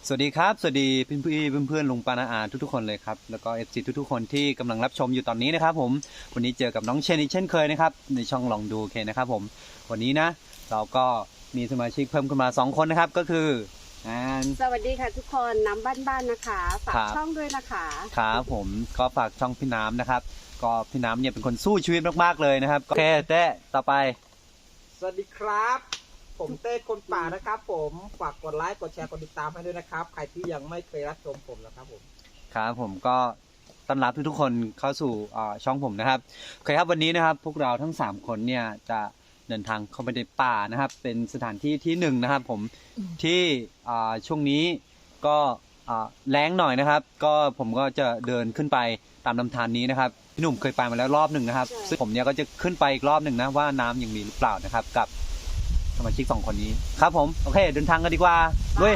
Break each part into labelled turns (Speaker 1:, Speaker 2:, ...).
Speaker 1: สวัสดีครับสวัสดีเพื่อนลุงปานาอาทุกๆคนเลยครับแล้วก็FCทุกๆคนที่กำลังรับชมอยู่ตอนนี้นะครับผมวันนี้เจอกับน้องเชนอีกเช่นเคยนะครับในช่องลองดูเคนะครับผมวันนี้นะเราก็มีสมาชิกเพิ่มขึ้นมา2คนนะครับก็คือ
Speaker 2: สวัสดีค่ะทุกคนน้ำบ้านๆนะคะฝากช่องด้วยนะคะ
Speaker 1: ครับผมก็ฝากช่องพี่น้ำนะครับก็พี่น้ำเนี่ยเป็นคนสู้ชีวิตมากๆเลยนะครับโอเคเต้ต่อไป
Speaker 3: สวัสดีครับผมเต้คนป่านะครับผมฝากกดไลค์กดแชร์กดติดตามให้ด้วยนะครับใครที่ยังไม่เคยรับชมผมนะครับผม
Speaker 1: ครับผมก็ต้อนรับทุกๆคนเข้าสู่ช่องผมนะครับโอเคครับวันนี้นะครับพวกเราทั้ง3คนเนี่ยจะเดินทางเข้าไปในป่านะครับเป็นสถานที่ที่1นะครับผมที่ช่วงนี้ก็แล้งหน่อยนะครับก็ผมก็จะเดินขึ้นไปตามลำธารนี้นะครับพี่หนุ่มเคยไปมาแล้วรอบหนึ่งนะครับซึ่งผมเนี่ยก็จะขึ้นไปอีกรอบหนึ่งนะว่าน้ำยังมีหรือเปล่านะครับกับสมาชิก2คนนี้ครับผมโอเคเดินทางกันดีกว่าด้วย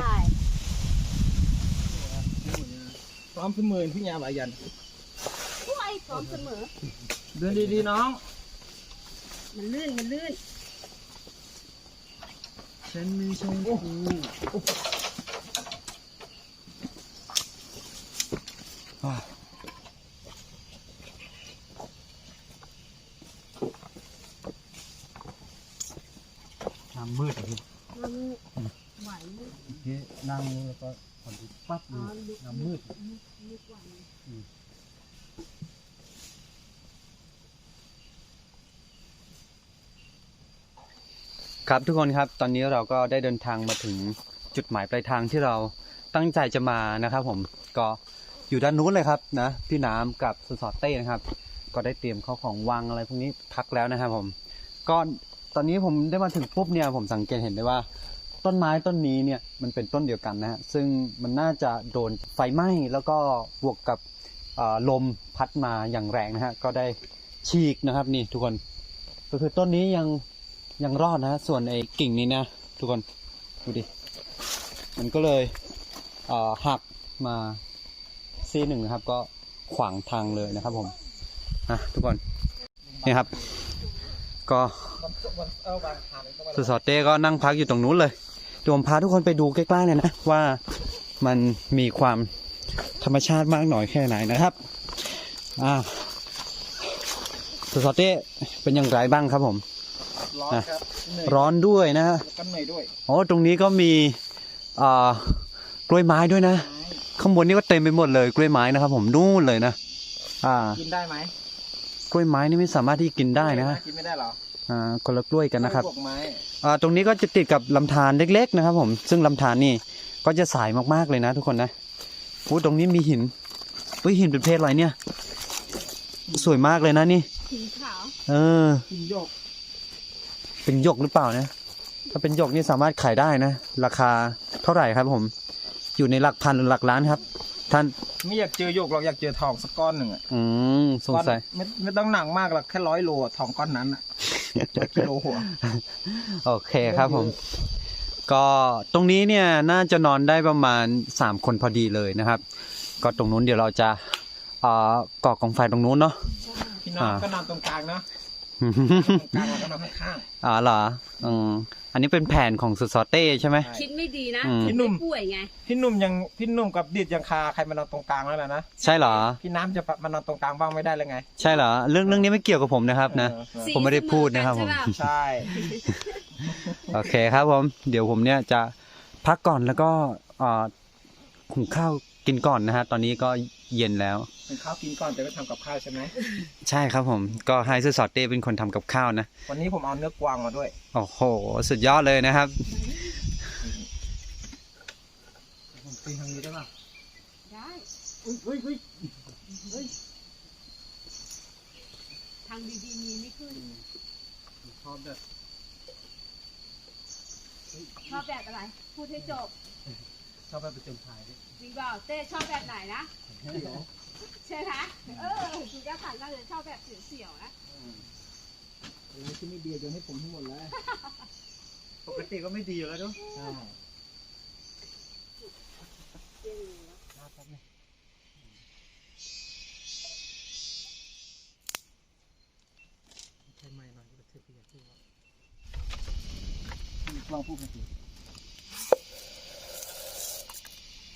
Speaker 3: พร้อมเสมอพี่ยาบายัน
Speaker 2: ผู้ไอ้พร้อมเสมอ
Speaker 3: เดินดีๆน้อง
Speaker 2: มันลื่น
Speaker 3: ฉันมีชงกูน้ำมืดอ่ะพี่
Speaker 2: มันไหว
Speaker 3: นั่งแล้วก็พอดีปั๊บน้ำมืด
Speaker 1: ครับทุกคนครับตอนนี้เราก็ได้เดินทางมาถึงจุดหมายปลายทางที่เราตั้งใจจะมานะครับผมก็อยู่ด้านนู้นเลยครับนะพี่น้ำกับสสเต้นะครับก็ได้เตรียมข้าวของวางอะไรพวกนี้พักแล้วนะครับผมก็ตอนนี้ผมได้มาถึงปุ๊บเนี่ยผมสังเกตเห็นได้ว่าต้นไม้ต้นนี้เนี่ยมันเป็นต้นเดียวกันนะฮะซึ่งมันน่าจะโดนไฟไหม้แล้วก็บวกกับลมพัดมาอย่างแรงนะฮะก็ได้ฉีกนะครับนี่ทุกคนก็คือต้นนี้ยังรอดนะส่วนไอ้กิ่งนี้นะทุกคนดูดิมันก็เลยหักมาซี่หนึ่งนะครับก็ขวางทางเลยนะครับผมทุกคนนี่ครับก็สอดเต้ก็นั่งพักอยู่ตรงนู้นเลยเดี๋ยวผมพาทุกคนไปดูใกล้ๆเลยนะว่ามันมีความธรรมชาติมากหน่อยแค่ไหนนะครับสอดเต้เป็นอย่างไรบ้างครับผม
Speaker 3: ร้อนครับ
Speaker 1: ร้อนด้วยนะฮะ
Speaker 3: กันเหนื่อยด้วย
Speaker 1: โอ้ตรงนี้ก็มีกล้วยไม้ด้วยนะข้างบนนี่ก็เต็มไปหมดเลยกล้วยไม้นะครับผมนู่นเลยนะ
Speaker 3: กินได้ไหม
Speaker 1: กล้วยไม้นี่ไม่สามารถที่กินได้นะ
Speaker 3: กินไม่ได้หรอ
Speaker 1: คนละกล้วยกันนะครับ
Speaker 3: ไม้
Speaker 1: ตรงนี้ก็จะติดกับลำธารเล็กๆนะครับผมซึ่งลำธารนี่ก็จะใสมากๆเลยนะทุกคนนะตรงนี้มีหินหินเป็นเพศอะไรเนี่ยสวยมากเลยนะนี่
Speaker 2: หินขาว
Speaker 3: หินหยก
Speaker 1: เป็นหยกหรือเปล่านะถ้าเป็นหยกนี่สามารถขายได้นะราคาเท่าไหร่ครับผมอยู่ในหลักพันหรือหลักล้านครับท่าน
Speaker 3: ไม่อยากเจอหยกหรอกอยากเจอทองสักก้อนหนึ่ง
Speaker 1: สงสัย
Speaker 3: ไม่ต้องหนักมากหรอกแค่100 โลทองก้อนนั้นกิโลหัว
Speaker 1: โอเคครับผมก็ตรงนี้เนี่ยน่าจะนอนได้ประมาณ3 คนพอดีเลยนะครับก็ตรงนู้นเดี๋ยวเราจะก่อกองไฟตรงนู้นเนาะ
Speaker 3: พี่น้องก็นอนตรงกลางเนาะกลางแล้วก็นอนข้าง
Speaker 1: เหรออันนี้เป็นแผนของสุดซอเต้ใช่ไหม
Speaker 2: คิดไม่ดีนะ
Speaker 3: พี่หนุ่ม
Speaker 2: ป่วยไง
Speaker 3: พี่หนุ่มกับดิดยังคาใครมานอนตรงกลางแล้วนะ
Speaker 1: ใช่เหรอ
Speaker 3: พี่น้ำจะมานอนตรงกลางบ้างไม่ได้เลยไง
Speaker 1: ใช่เหรอเรื่องนี้ไม่เกี่ยวกับผมนะครับนะผมไม่ได้พูดนะครับผม
Speaker 3: ใช่
Speaker 1: โอเคครับผมเดี๋ยวผมเนี่ยจะพักก่อนแล้วก็หุงข้าวกินก่อนนะฮะตอนนี้ก็เย็นแล้ว
Speaker 3: ข้าวกินก่อนแต่ก็ทำกับข้าวใช่ไหม
Speaker 1: ใช่ครับผมก็ให้ซื้อสอดเต้เป็นคนทำกับข้าวนะ
Speaker 3: วันนี้ผมเอาเนื้อกวางมาด้วย
Speaker 1: โอ้โหสุดยอดเลยนะครับ
Speaker 3: ผมปีนทางนี้ได้ป่ะ
Speaker 2: ได้ทางดีๆมีไม่ขึ้น
Speaker 3: ชอบ
Speaker 2: แบบอะไรพูดให้จบ
Speaker 3: ชอบแบบประจำถ่ายดิ
Speaker 2: จริงเปล่าเต้ชอบแบบไหนนะใช่ไหมดูด้านหลังน่าจะชอบแบบเสี่ยวๆนะ
Speaker 3: ที่ไม่ดีโยนให้ผมทั้งหมดเลยปกติก็ไม่ดีอยู่แล้วด้วยใช่ใช่ไหมหน่อยก็เทปอยากพูดว่าลองพูดกันสิ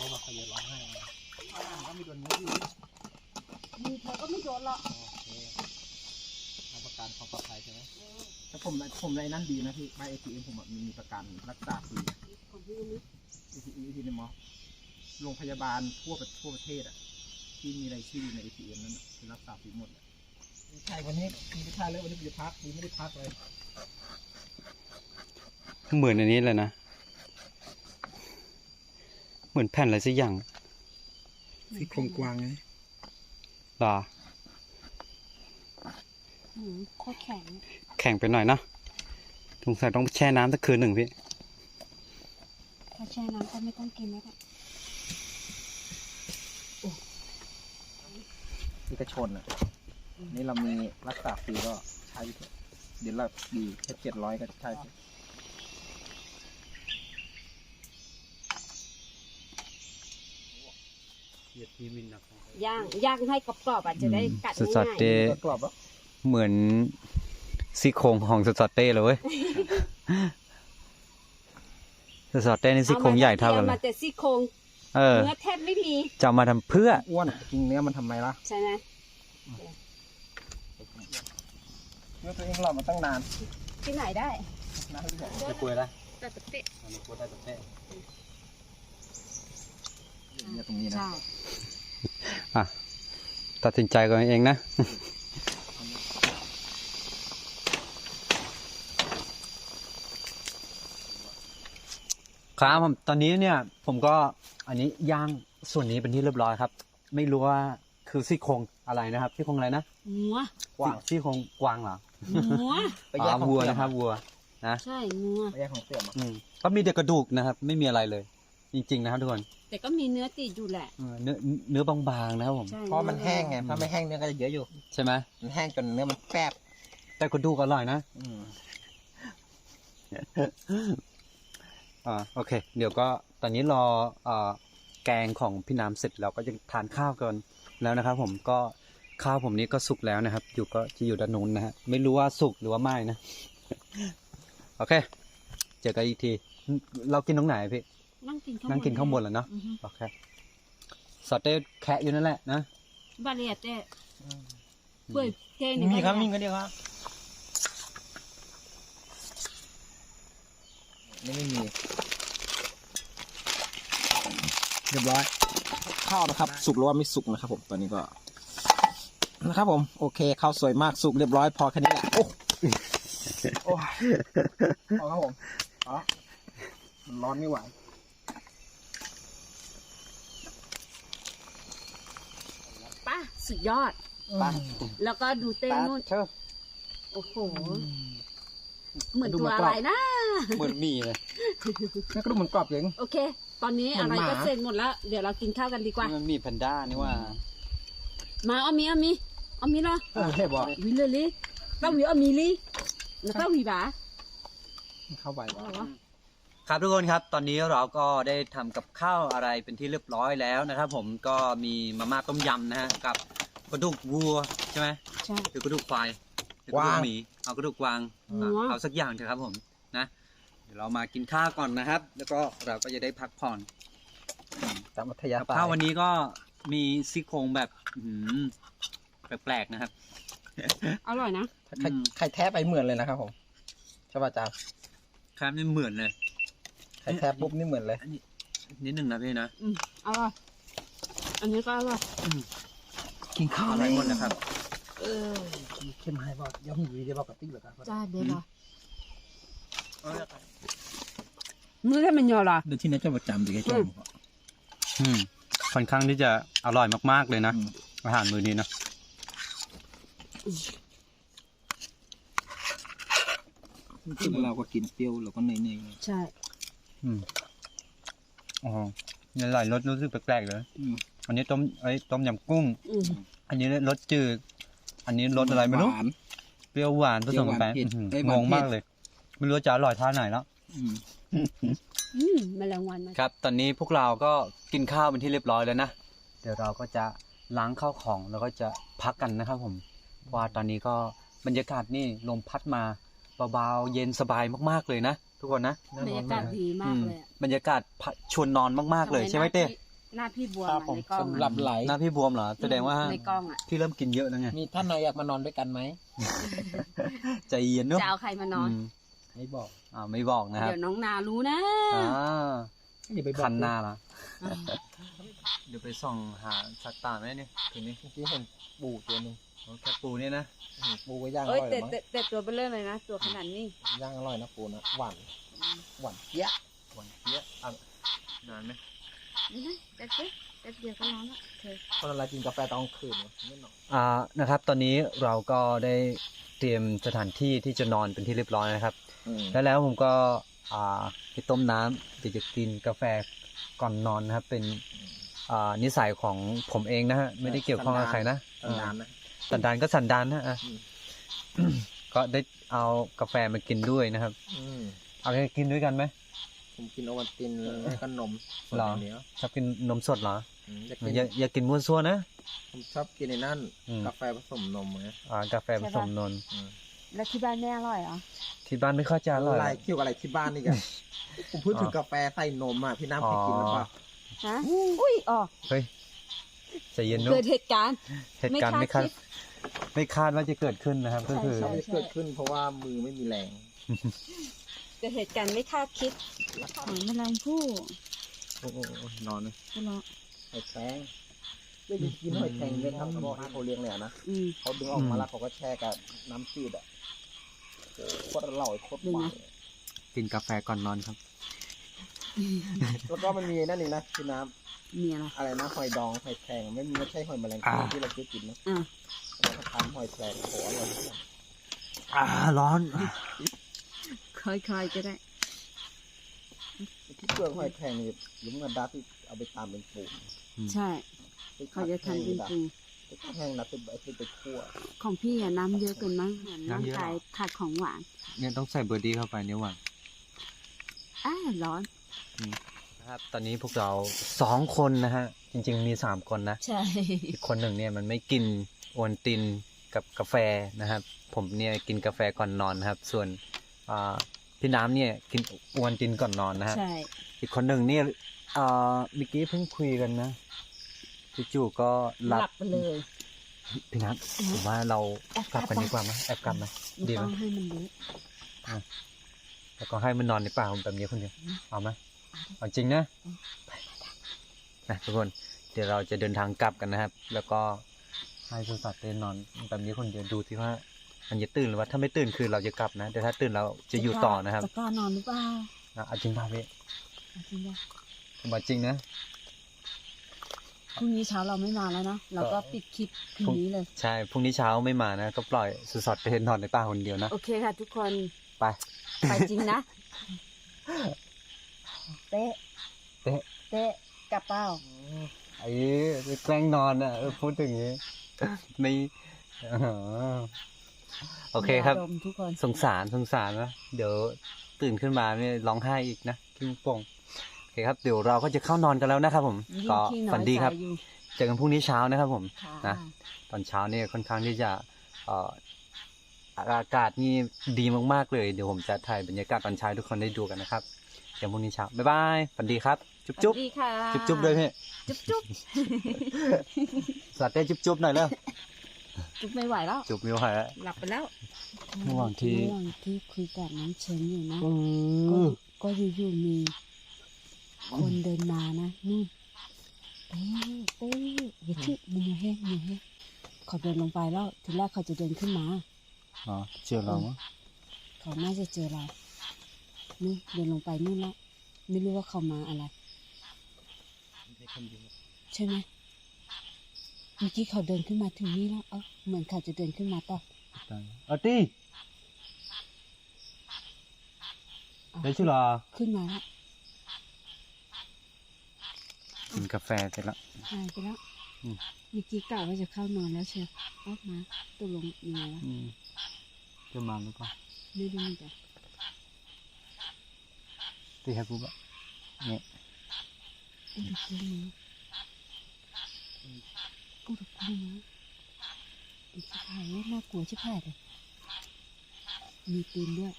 Speaker 3: เขาบอกเขาจะร้องไห้ก็มีโดนนี้อยู่
Speaker 2: มีเธอก็ไม่โดนหรอก
Speaker 3: โอเคทำประกันความปลอดภัยใช่ไหมแต่ผมในนั้นดีนะพี่ใบ ATM ผมมีประกันรักษาฟรี
Speaker 2: ของพี่นี่
Speaker 3: ATM ในมอโรงพยาบาลทั่วประเทศอ่ะที่มีรายชื่อใน ATM นั้นคือรักษาฟรีหมดไม่ใช่วันนี้มีไม่ใช่เลยวันนี้จะพักมีไม่ได้พักเลย
Speaker 1: เหมือนอันนี้เลยนะ เหมือนแผ่นอะไรสักอย่าง
Speaker 3: ซี่โครงกวางไง
Speaker 1: หรอ
Speaker 2: โคตรแข็ง
Speaker 1: แข็งไปหน่อยเนาะสงสัยต้องแช่น้ำสักคืนหนึ่งพี่
Speaker 2: ถ้าแช่น้ำก็ไม่ต้องกินแล้วแหละ
Speaker 3: เอกชนอ่ะนี่เรามีรักษาฟรีก็ใช้เถอะเดี๋ยวเราดีแค่700ก็ใช้เถอะ
Speaker 2: ย่างให้กรอบๆอ่ะจะได้กัด
Speaker 1: สด
Speaker 2: ง่าย
Speaker 1: ๆเต้
Speaker 3: กรอบแล้ว
Speaker 1: เหมือนซี่โครงของสดๆเต้เลยเว้ย สดๆเต้นี่
Speaker 2: ๆ
Speaker 1: ซี่โครงใหญ่เท่ากันเล
Speaker 2: มาย แต่ซี่โครง
Speaker 1: เออ
Speaker 2: เนื้อแทบไม่มี
Speaker 1: จะเอามาทำเพื่อ
Speaker 3: อ้วนกินเนื้อมันทำไมล่ะ
Speaker 2: ใช่ไหม
Speaker 3: เนื้อตัวเองหล่อมาตั้งนาน
Speaker 2: ที่ไหนได้
Speaker 3: นะพี่บอก
Speaker 1: จะคุยละ
Speaker 2: แต่ตะเตะ
Speaker 3: เนี่ยตรงนี้นะ
Speaker 2: ใช่
Speaker 1: อ่ะ ตัดสินใจกันเองนะ ครับผมตอนนี้เนี่ยผมก็อันนี้ย่างส่วนนี้เป็นที่เรียบร้อยครับ ไม่รู้ว่าคือซี่โครงอะไรนะครับซี่โครงอะไรนะ
Speaker 2: งัว
Speaker 3: กว้าง
Speaker 1: ซี่โครงกวางเหรอ
Speaker 2: งัว
Speaker 3: ไปแยกของ
Speaker 1: วัว
Speaker 3: เสื่อม
Speaker 1: นะครับวัว
Speaker 2: ใช่งัว
Speaker 3: ไปแยกของเสื่อมอ่ะ
Speaker 1: ก็มีแต่กระดูกนะครับ ไม่มีอะไรเลย จริงๆนะครับทุกคน
Speaker 2: แต่ก็มีเนื้อติดอยู่แหละ
Speaker 1: เนื้อบางๆนะครับผม
Speaker 2: ใช่
Speaker 3: เพราะมันแห้งไงถ้าไม่แห้งเนื้อก็จะเยอะอยู่
Speaker 1: ใช่ไหม
Speaker 3: มันแห้งจนเนื้อมันแฟบ
Speaker 1: แต่กระดูกอร่อยนะ โอเค เดี๋ยวก็ตอนนี้รอแกงของพี่น้ำเสร็จเราก็จะทานข้าวกันแล้วนะครับ ผมก็ข้าวผมนี้ก็สุกแล้วนะครับ อยู่ก็จะอยู่ด้านนู้นนะฮะไม่รู้ว่าสุกหรือว่าไหม้นะ โอเค เจอกันอีกทีเรากินตรงไหนพี่
Speaker 2: นั่งกิน
Speaker 1: นั่งกินข้างบนเหรอเนาะ
Speaker 2: อือฮึ
Speaker 1: โอเคสอดเต้แคะอยู่นั่นแหละนะ
Speaker 2: บาเลียเต้เปื่อยเต้เนี่ย
Speaker 3: มีครับมีก็เดียวครับไม่มีเรียบร้อยข้าวนะครับ สุกหรือว่าไม่สุกนะครับ ผมตอนนี้ก็นะครับผมโอเคข้าวสวยมากสุกเรียบร้อยพอแค่นี้แหละโอ้โอ้พอครับผมอ๋อมันร้อนไม่ไหว
Speaker 2: ป้าสุดยอด
Speaker 3: ไป
Speaker 2: แล้วก็ดูเต้นู่น
Speaker 1: เชิญ
Speaker 2: โอ้โห เหมือนตัวอะไรนะ
Speaker 1: เหมือนมีเลย
Speaker 3: นั่นก็ดูเหมือนกรอบเอง
Speaker 2: โอเค ตอนนี้
Speaker 3: เหมื
Speaker 2: อะ
Speaker 3: อน
Speaker 2: ไร
Speaker 3: หมา
Speaker 2: ก็เสร็จหมดแล้ว เดี๋ยวเรากินข้าวกันดีกว่า
Speaker 1: มันมีแพนด้านี่ว่า
Speaker 2: มาเอามีเหรอ
Speaker 3: ใช่บอก
Speaker 2: วิเลยลิเต้าหวีเอามีลิแล้วเต้าหวีบ่า
Speaker 3: เข้าไปวะ
Speaker 1: ครับทุกคนครับตอนนี้เราก็ได้ทำกับข้าวอะไรเป็นที่เรียบร้อยแล้วนะครับ ผมก็มีมาม่าต้มยำนะฮะกับกระดูกวัวใช่ไหม
Speaker 2: ใช่
Speaker 1: หรือกระดูกควายหรือกระดูกหมีเอากระดูกกวาง
Speaker 2: วัว
Speaker 1: เอาสักอย่างเถอะครับผมนะเดี๋ยวเรามากินข้าวก่อนนะครับ แล้วก็เราก็จะได้พักผ่อน
Speaker 3: ตามอัธยา
Speaker 1: กับ
Speaker 3: ศัย
Speaker 1: ข้าววันนี้ก็มีซี่โครงแบบอื้อหือแปลกๆนะครับ
Speaker 2: อร่อยนะ
Speaker 3: ใครแท้ไปเหมือนเลยนะครับผมใช่ป่ะอาจารย์
Speaker 1: ครับนี่เหมือนเลย
Speaker 3: ใครแท้ปุ๊บนี่เหมือนเลย
Speaker 1: นิดหนึ่งนะพี่นะ
Speaker 2: อร่อย อันนี้ก็อร่อย
Speaker 3: กินข้าว
Speaker 1: อร่อยหมดนะครับ
Speaker 3: เข้มให้บอกย่อมอยู่ดีบอกกระติกเหรอครับ
Speaker 2: จ้าเดี๋ยวรอมื้อให้มันยอเหรอ
Speaker 3: เดี๋ยวที่นี่จะประจำดีแค่จอม
Speaker 1: ค่อนข้างที่จะอร่อยมากๆเลยนะอาหารมื้อนี้นะ
Speaker 3: ซึ่งเราก็กินเปรี้ยวเราก็เนย
Speaker 2: ใช่
Speaker 1: อ๋อเนี่ยหลายรสรู้สึกแปลกๆเลย
Speaker 3: ๆ
Speaker 1: อันนี้ต้มยำกุ้ง
Speaker 2: อืม
Speaker 1: อันนี้รสจืด อันนี้รสอะไรไม่รู้
Speaker 3: หวาน
Speaker 1: เปรี้ยวหวานผสมกันไป
Speaker 3: เปรี้ยวหวานเผ็ด
Speaker 1: อื้อ
Speaker 3: เอ้ย
Speaker 1: หือ
Speaker 3: หวาน
Speaker 1: งง
Speaker 3: เผ็ด
Speaker 1: มากเลย ไม่รู้จะอร่อยท่าไหนแล้ว
Speaker 2: แมลงวันมา
Speaker 1: ครับ ตอนนี้พวกเราก็กินข้าวเป็นที่เรียบร้อยแล้วนะ เดี๋ยวเราก็จะล้างข้าวของแล้วก็จะพักกันนะครับผมเพราะว่าตอนนี้ก็บรรยากาศนี่ลมพัดมาเบาๆเย็นสบายมากๆเลยนะทุกคนนะ
Speaker 2: บรรยากาศดีมากเลยอะ
Speaker 1: บรรยากาศชวนนอนมากๆเลยใช่ไหมเต้
Speaker 2: หน้าพี่บวม
Speaker 3: ครับ
Speaker 2: อะ
Speaker 3: ผม
Speaker 2: ในกล้อง
Speaker 3: สำหรับ
Speaker 2: อะ
Speaker 3: ไหล
Speaker 1: หน้าพี่บวมเหรอแสดงว่า
Speaker 2: ในกล้องอ่ะ
Speaker 1: พี่เริ่มกินเยอะแล้วไง
Speaker 3: มีท่านไหนอยากมานอนด้วยกันไหม
Speaker 1: ใจเย็นเนอะ
Speaker 2: จะเอาใครมานอน
Speaker 3: ไม่บอก
Speaker 1: ไม่บอกนะครับ
Speaker 2: เดี๋ยวน้องนารู้นะ
Speaker 1: อ่า
Speaker 3: อย่าไปบอก
Speaker 1: คันหน้าละเดี๋ยวไปส่องหาสัตว์ป่าไหมเนี่ยคืนนี้
Speaker 3: เมื่อกี้เห็นปูตัวหนึง
Speaker 1: แค่ปูเนี่ยนะ
Speaker 3: ปูก็ย่างอ
Speaker 2: เอ้ย
Speaker 3: ร่อย
Speaker 2: แต่
Speaker 3: มั้ง
Speaker 2: แต่ตัวเบลเลอร์เลยนะ ตัวขนาดนี้
Speaker 3: ย่างอร่อยนะปูนะหวานหวานเจี๊ยะ
Speaker 1: หวานเจี๊ยบนานไหม
Speaker 2: นี่นะแต่เดียวก็ร้อนละเธอ
Speaker 3: คนอะไรกินกาแฟตอนกลางคืนวะไม่นอน
Speaker 1: นะครับ ตอนนี้เราก็ได้เตรียมสถานที่ที่จะนอนเป็นที่เรียบร้อยนะครับ แล้วผมก็ไปต้มน้ำเดี๋ยวจะกินกาแฟก่อนนอนนะครับ เป็นนิสัยของผมเองนะฮะไม่ได้เกี่ยวข้องกับใครนะ
Speaker 3: นานนะ
Speaker 1: สันดานก็สันดานนะ
Speaker 3: อืม
Speaker 1: ก็ได้เอากาแฟมากินด้วยนะครับ เอาไปกินด้วยกันไหม
Speaker 3: ผมกินโอวัลตินแล้วก็นมสด
Speaker 1: หรอ
Speaker 3: อย่างเดียว
Speaker 1: ชอบกินนมสดเหรอ
Speaker 3: อยากกิน
Speaker 1: อย่ากินมั่วซั่วนะ
Speaker 3: ผมชอบกินในนั่น
Speaker 1: อืม
Speaker 3: กาแฟผสมนมไง
Speaker 1: กาแฟผสมนม
Speaker 2: แล้วที่บ้านแม่อร่อยเหรอ
Speaker 1: ที่บ้านไม่ค่อยจะอร่อย
Speaker 3: อะไรเกี่ยวกับอะไรที่บ้านนี่กันผมพูดถึงกาแฟใส่นมอ่ะพี่น้ำเคยกินหรือเปล่า
Speaker 2: ฮะ อุ้ยอ๋อ
Speaker 1: เฮ้ยใจเย็นนุ๊
Speaker 2: เกิดเหตุการณ์
Speaker 1: เหตุการณ์ไม่คาดว่าจะเกิดขึ้นนะครับ ก็คือ
Speaker 2: ใช่
Speaker 3: ไม่เกิดขึ้นเพราะว่ามือไม่มีแรง
Speaker 2: เกิดเหตุการณ์ไม่คาดคิดหอยแมลงภู่
Speaker 1: โอ้นอนเลย
Speaker 2: ก็รอ
Speaker 3: หอยแครงได้กินหอยแครงไหมครับหม้อที่เขาเลี้ยงเลยอะนะ
Speaker 2: อืม
Speaker 3: เขาดึงออกมาแล้วเขาก็แช่กับน้ำจืดอ่ะโอ้โหโคตรอร่อยโคตรหวานเลย
Speaker 1: กินกาแฟก่อนนอนครับ
Speaker 3: แล้วก็มันมีนั่นอีกนะพี่น้
Speaker 2: มีอะไร
Speaker 3: ำอะไรนะหอยดองหอยแครงไม่ใช่หอยแมลงภู่ที่เราเคยกินนะ
Speaker 2: อ่ะ
Speaker 3: เราก็ทำหอยแครงโอ้โหอร่อยมาก
Speaker 1: ร้อน
Speaker 2: ค่อยๆก็ได้
Speaker 3: ที่เปลือกหอยแครงนี่ยุ้มกระดาษที่เอาไปตามเป็นปูน
Speaker 2: ใช่ เขาจะทำเป็นปู
Speaker 3: ไปทำแห้งนะไปคั่ว
Speaker 2: ของพี่อะน้ำเยอะเกินมั้งเหมือนร่างกายขาดของหวาน
Speaker 1: เนี่ยต้องใส่เบอร์ดี้เข้าไปเนี่ยหว่าง
Speaker 2: ร้อน
Speaker 1: นะครับ ตอนนี้พวกเรา2 คนนะฮะ จริงๆมี3 คนนะ
Speaker 2: ใช่
Speaker 1: อีกคนหนึ่งเนี่ยมันไม่กินโอวัลตินกับกาแฟนะครับ ผมเนี่ยกินกาแฟก่อนนอนนะครับ ส่วนพี่น้ำเนี่ยกินโอวัลตินก่อนนอนนะฮะ
Speaker 2: ใช่
Speaker 1: อีกคนหนึ่งเนี่ยเมื่อกี้เพิ่งคุยกันนะจู่ๆก็หลั
Speaker 2: หลับไปเลย
Speaker 1: พี่น้ำผมว่าเรากลับกันดีกว่าไหมแอบกลับไหม
Speaker 2: ไม่
Speaker 1: ดีไหม
Speaker 2: ต้องให้มันรู้
Speaker 1: แล้วก็ให้มันนอนในป่าแบบนี้คนเดียวเอาไหมเอาจริงนะนะทุกคนเดี๋ยวเราจะเดินทางกลับกันนะครับ แล้วก็ให้สุสัตว์เต้นนอนแบบนี้คนเดียวดูที่ว่ามันจะตื่นหรือว่าถ้าไม่ตื่นคือเราจะกลับนะแต่ถ้าตื่นเราจะอยู่ต่อนะครับ
Speaker 2: จะกล้านอนหรือเปล่า
Speaker 1: เอาจริงป่ะพี่
Speaker 2: เอาจริงป่ะ
Speaker 1: ผมบอกจริงนะ
Speaker 2: พรุ่งนี้เช้าเราไม่มาแล้วนะเราก็ปิดคลิปคืนนี้เลย
Speaker 1: ใช่พรุ่งนี้เช้าไม่มานะก็ปล่อยสุสัตว์เต้นนอนในป่าคนเดียวนะ
Speaker 2: โอเคค่ะ ทุกคน
Speaker 1: ไป
Speaker 2: ไปจริงนะ เตะ
Speaker 1: เตะ
Speaker 2: เตะกลับเป้า
Speaker 1: ไอ้แกล้งนอนอ่ะพูดอย่างนี้ ไม่โอเคครับ
Speaker 2: ย่าดมทุกคน
Speaker 1: สงสารนะเดี๋ยวตื่นขึ้นมาเนี่ยร้องไห้อีกนะกิ้งโป่งโอเคครับเดี๋ยวเราก็จะเข้านอนกันแล้วนะครับผม
Speaker 2: ยิ่ง
Speaker 1: ก็
Speaker 2: ขี้น้อย
Speaker 1: ฝันดีครับ
Speaker 2: ใจอยู่
Speaker 1: เจอกันพรุ่งนี้เช้านะครับผม
Speaker 2: ค่ะ
Speaker 1: นะ ตอนเช้าเนี่ยค่อนข้างที่จะอากาศนี่ดีมากๆเลยเดี๋ยวผมจะถ่ายบรรยากาศตอนเช้าให้ทุกคนได้ดูกันนะครับเจอกันพรุ่งนี้เช้าบ๊ายบายฝันดีครับจุ๊บ
Speaker 2: ส
Speaker 1: จุ๊บ
Speaker 2: วัสดีค่ะ
Speaker 1: จุ๊บจุ๊บด้วยพี่
Speaker 2: จุ๊บจุ๊บ
Speaker 1: สัตว์ได้จุ๊บจุ๊บหน่อยแล้ว
Speaker 2: จุ๊บไม่ไหวแล้ว
Speaker 1: จุ๊บไม่ไหวแล้ว
Speaker 2: หลับไปแล้ว
Speaker 1: ระหว่างที่
Speaker 2: ระหว่างที่คุยกับน้องเชนอยู่นะ ก็อยู่ๆมีคนเดินมานะนู่นเต้เต้อย่าชื่อมันอย่าแห้งอย่าแห้งเขาเดินลงไปแล้วทีแรกเขาจะเดินขึ้นมา
Speaker 1: อ๋อเจอเรามั้ง
Speaker 2: เขาน่าจะเจอเรานี่เดินลงไปนู่นแล้วไม่รู้ว่าเขามาอะไร ใช่ไหมเมื่อกี้เขาเดินขึ้นมาถึงนี่แล้วเหมือนเขาจะเดินขึ้นมาต่อ
Speaker 1: อาตี้ได้ชื่อหรอ
Speaker 2: ขึ้นมาแล้ว
Speaker 1: กินกาแฟเสร็จแล้ว
Speaker 2: หายไปแล้ว
Speaker 1: อืม
Speaker 2: เมื่อกี้กะว่าจะเข้านอนแล้วเชียวออกมาตกลงยังไงวะ
Speaker 1: จะมาหรือเปล่า
Speaker 2: ไม่รู้เหมือนกัน
Speaker 1: ตีให้ปุ๊บอะเนี่ย
Speaker 2: อุดกูนะอุดกูนะอีกชิบหายเลยน่ากลัวชิบหายเลยมีปืนด้วย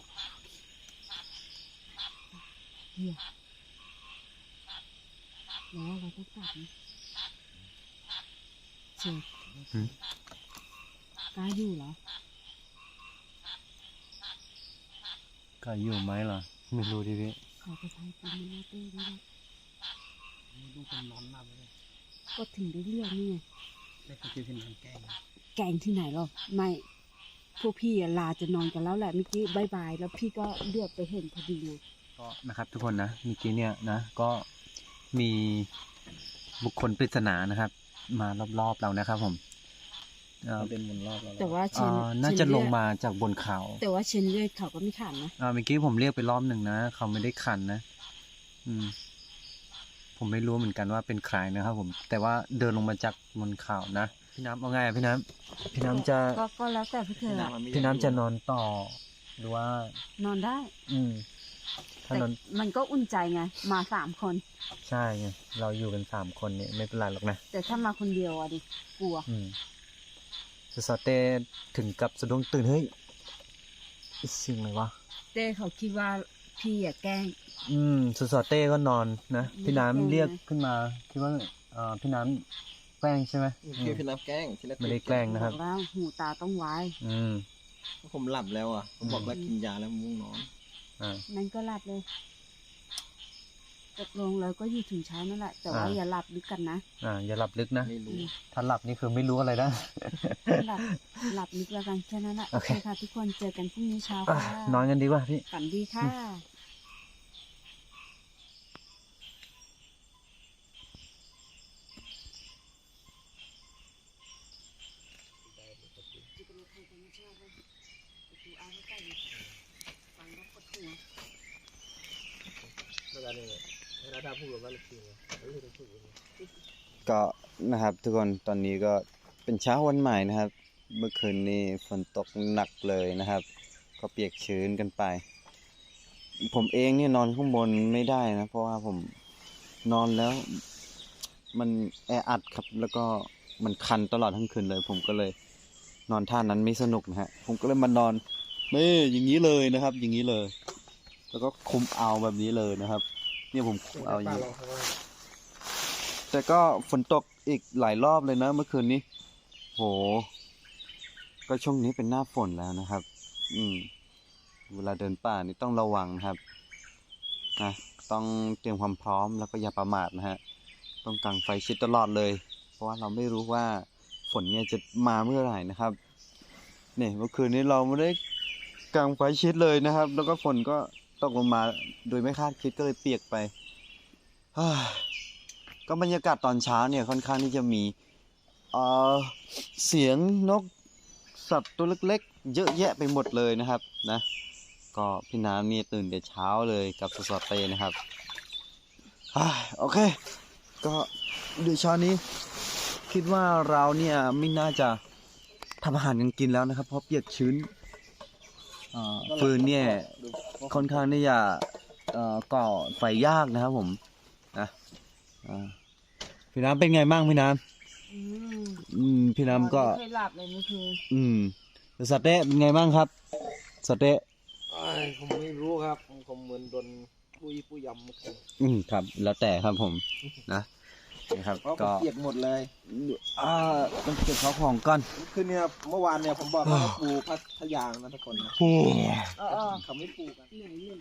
Speaker 2: เหี้ยหรือว่าเราต้องกลับนะเชฟกล้าอยู่เหรอ
Speaker 1: ก็อยู่ไหมล่ะไม่รู้ดิพี่
Speaker 2: ขอไปทำกินมันเต้ด้วยนะ
Speaker 3: ลูกคนนอนหลับเลย
Speaker 2: ก็ถึงได้เลือกนี่ไง
Speaker 3: ได้เขาคือขึ้นทางแกล้ง
Speaker 2: แกงที่ไหนหรอไม่พวกพี่อะลาจะนอนกันแล้วแหละเมื่อกี้บายแล้วพี่ก็เลือกไปเห็นพอดีไง
Speaker 1: ก็นะครับทุกคนนะเมื่อกี้เนี่ยนะก็มีบุคคลปริศนานะครับ มารอบๆเรานะครับผม
Speaker 3: เขาเดินวนรอบเรา
Speaker 2: แต่ว่าเชน
Speaker 1: น่าจะ
Speaker 2: เชน
Speaker 1: ล
Speaker 2: เลื
Speaker 1: ง
Speaker 2: อด
Speaker 1: มาจากบนเขา
Speaker 2: แต่ว่าเชนเลือดเขาก็ไม่ขันนะ
Speaker 1: เมื่อกี้ผมเรียกไปรอบหนึ่งนะเขาไม่ได้ขันนะ ผมไม่รู้เหมือนกันว่าเป็นใครนะครับผม แต่ว่าเดินลงมาจากบนเขานะพี่น้ำเอาไงอะพี่น้ำพี่น้ำจะ
Speaker 2: ก็แล้วแต่พี่เธออะ
Speaker 1: พี่น้ำจะนอนต่อ หรือว่า
Speaker 2: นอนได้
Speaker 1: ถ้า
Speaker 2: แต่
Speaker 1: นอน
Speaker 2: มันก็อุ่นใจไงมา3 คน
Speaker 1: ใช่ไงเราอยู่กัน3 คนเนี่ยไม่เป็นไรหรอกนะ
Speaker 2: แต่ถ้ามาคนเดียวอะดิกลัว
Speaker 1: สเต้ถึงกับสะดุ้งตื่นเฮ้ยสิ่งอะไรวะ
Speaker 2: เต้เขาคิดว่าพี่อะแกล้ง
Speaker 1: สเต้ก็นอนนะพี่น้ำ
Speaker 2: ไม่ได้แกล้งนะ
Speaker 1: เรียกขึ้นมาคิดว่าพี่น้ำแกล้งใช่ไหม
Speaker 3: คือพี่น้ำแกล้งที่แรก
Speaker 1: ไม่ได้แกล้งนะครับ
Speaker 2: อกแล้วหูตาต้องไว้
Speaker 3: ผมหลับแล้วอ่ะผมบอกแล้วกินยาแล้วมุ่งนอน
Speaker 2: นั่นก็หลับเลยตกลงแล้วก็อยู่ถึงเช้านั่นแหละ แต่ว่า อย่าหลับลึกกันนะ
Speaker 1: อย่าหลับลึกนะ
Speaker 3: ไม่รู้
Speaker 1: ถ้าหลับนี่คือไม่รู้อะไรนะ
Speaker 2: หลับหลับลึกแล้วกันแค่นั้นแหละ
Speaker 1: โอเค
Speaker 2: ค่ะทุกคนเจอกันพรุ่งนี้เช้า
Speaker 1: อ่ะ
Speaker 2: ค่ะ
Speaker 1: นอนกันดีกว่าพี่
Speaker 2: ฝันดีค่ะ
Speaker 1: ก็นะครับทุกคนตอนนี้ก็เป็นเช้าวันใหม่นะครับ เมื่อคืนนี้ฝนตกหนักเลยนะครับ ก็เปียกชื้นกันไป ผมเองเนี่ยนอนข้างบนไม่ได้นะเพราะว่าผมนอนแล้ว มันแออัดครับแล้วก็มันคันตลอดทั้งคืนเลย ผมก็เลยนอนท่านั้นไม่สนุกนะฮะผมก็เลยมานอนนี่อย่างนี้เลยนะครับ อย่างนี้เลย แล้วก็คุมเอาแบบนี้เลยนะครับ เนี่ยผมคุมเอาอย่างนี้ แต่ก็ฝนตกอีกหลายรอบเลยนะเมื่อคืนนี้ โห ก็ช่วงนี้เป็นหน้าฝนแล้วนะครับ เวลาเดินป่านี่ต้องระวังครับนะต้องเตรียมความพร้อมแล้วก็อย่าประมาทนะฮะ ต้องกังไฟชิดตลอดเลย เพราะว่าเราไม่รู้ว่าฝนเนี่ยจะมาเมื่อไหร่นะครับ เนี่ยเมื่อคืนนี้เราไม่ได้กังไฟชิดเลยนะครับ แล้วก็ฝนก็ตกลงมาโดยไม่คาดคิดก็เลยเปียกไป ก็บรรยากาศตอนเช้าเนี่ยค่อนข้างที่จะมีเสียงนกสัตว์ตัวเล็กๆเยอะแยะไปหมดเลยนะครับนะก็พี่น้ำนี่ตื่นแต่เช้าเลยกับสดๆเตนะครับโอเค ก็เดี๋ยวเช้านี้คิดว่าเราเนี่ยไม่น่าจะทำอาหารกันกินแล้วนะครับ เพราะเปียกชื้นฟืนเนี่ยค่อนข้างที่จะก่อไฟยากนะครับผมนะพี่น้ำเป็นไงบ้างพี่น้ำพี่น้ำก็
Speaker 2: ไม่เคยหลับเลยเมื่อคืน
Speaker 1: สเต้เป็นไงบ้างครับสเต้
Speaker 3: ผมไม่รู้ครับผมเหมือนโดนปุยยำเมื่อคืน
Speaker 1: ครับ แล้วแต่ครับผมนะครับ
Speaker 3: เพราะผม
Speaker 1: ก็
Speaker 3: เปียกหมดเลย
Speaker 1: ต้องเก็บข้าวของก่อน
Speaker 3: คือเนี่ยเมื่อวานเนี่ยผมบอกว่าปูพัทยางนะทุกคนนะเขาไม่ปูกัน
Speaker 2: เหนื่อยเหนื่อย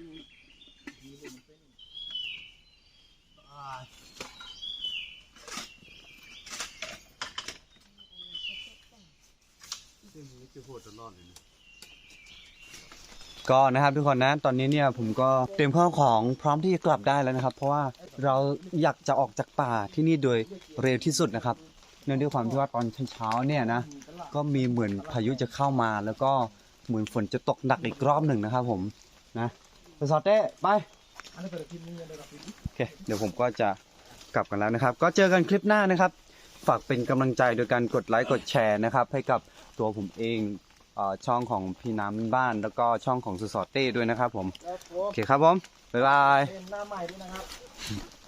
Speaker 1: ก็นะครับทุกคนนะตอนนี้เนี่ยผมก็เตรียมข้าวของพร้อมที่จะกลับได้แล้วนะครับ เพราะว่าเราอยากจะออกจากป่าที่นี่โดยเร็วที่สุดนะครับเนื่องด้วยความที่ว่าตอนเช้าๆเนี่ยนะก็มีเหมือนพายุจะเข้ามา แล้วก็เหมือนฝนจะตกหนักอีกรอบหนึ่งนะครับผมนะไปสอดเต้ไปโอเคเดี๋ยวผมก็จะกลับกันแล้วนะครับ ก็เจอกันคลิปหน้านะครับ ฝากเป็นกำลังใจโดยการกดไลค์กดแชร์นะครับ ให้กับตัวผมเองช่องของพี่น้ำบ้านแล้วก็ช่องของสุสอเต้ด้วยนะครับผมโอเคครับผมบ๊ายบาย
Speaker 3: เป็นหน้าใหม่ด้วยนะครับ